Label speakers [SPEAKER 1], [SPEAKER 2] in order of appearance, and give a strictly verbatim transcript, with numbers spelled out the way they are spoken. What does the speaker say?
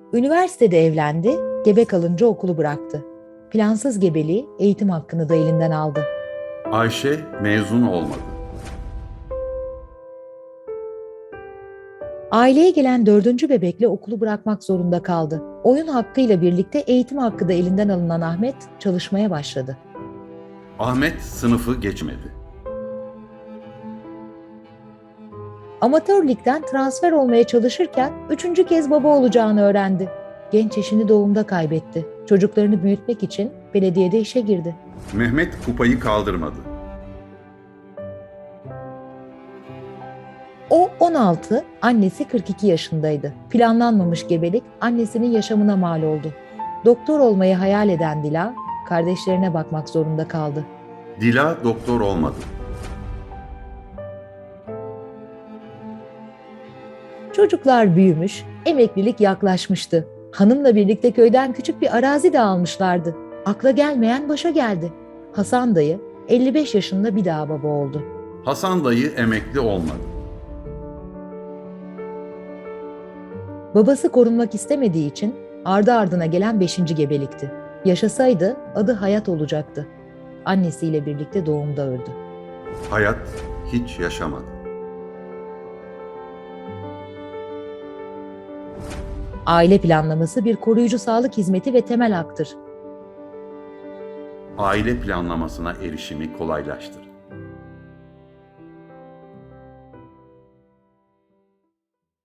[SPEAKER 1] Üniversitede evlendi, gebe kalınca okulu bıraktı. Plansız gebeliği eğitim hakkını da elinden aldı.
[SPEAKER 2] Ayşe mezun olmadı.
[SPEAKER 1] Aileye gelen dördüncü bebekle okulu bırakmak zorunda kaldı. Oyun hakkıyla birlikte eğitim hakkı da elinden alınan Ahmet çalışmaya başladı.
[SPEAKER 2] Ahmet sınıfı geçmedi.
[SPEAKER 1] Amatör ligden transfer olmaya çalışırken üçüncü kez baba olacağını öğrendi. Genç eşini doğumda kaybetti. Çocuklarını büyütmek için belediyede işe girdi.
[SPEAKER 2] Mehmet kupayı kaldırmadı.
[SPEAKER 1] O on altı, annesi kırk iki yaşındaydı. Planlanmamış gebelik annesinin yaşamına mal oldu. Doktor olmayı hayal eden Dila, kardeşlerine bakmak zorunda kaldı.
[SPEAKER 2] Dila doktor olmadı.
[SPEAKER 1] Çocuklar büyümüş, emeklilik yaklaşmıştı. Hanımla birlikte köyden küçük bir arazi de almışlardı. Akla gelmeyen başa geldi. Hasan dayı elli beş yaşında bir daha baba oldu.
[SPEAKER 2] Hasan dayı emekli olmadı.
[SPEAKER 1] Babası korunmak istemediği için ardı ardına gelen beşinci gebelikti. Yaşasaydı adı Hayat olacaktı. Annesiyle birlikte doğumda öldü.
[SPEAKER 2] Hayat hiç yaşamadı.
[SPEAKER 1] Aile planlaması bir koruyucu sağlık hizmeti ve temel haktır.
[SPEAKER 2] Aile planlamasına erişimi kolaylaştırdı.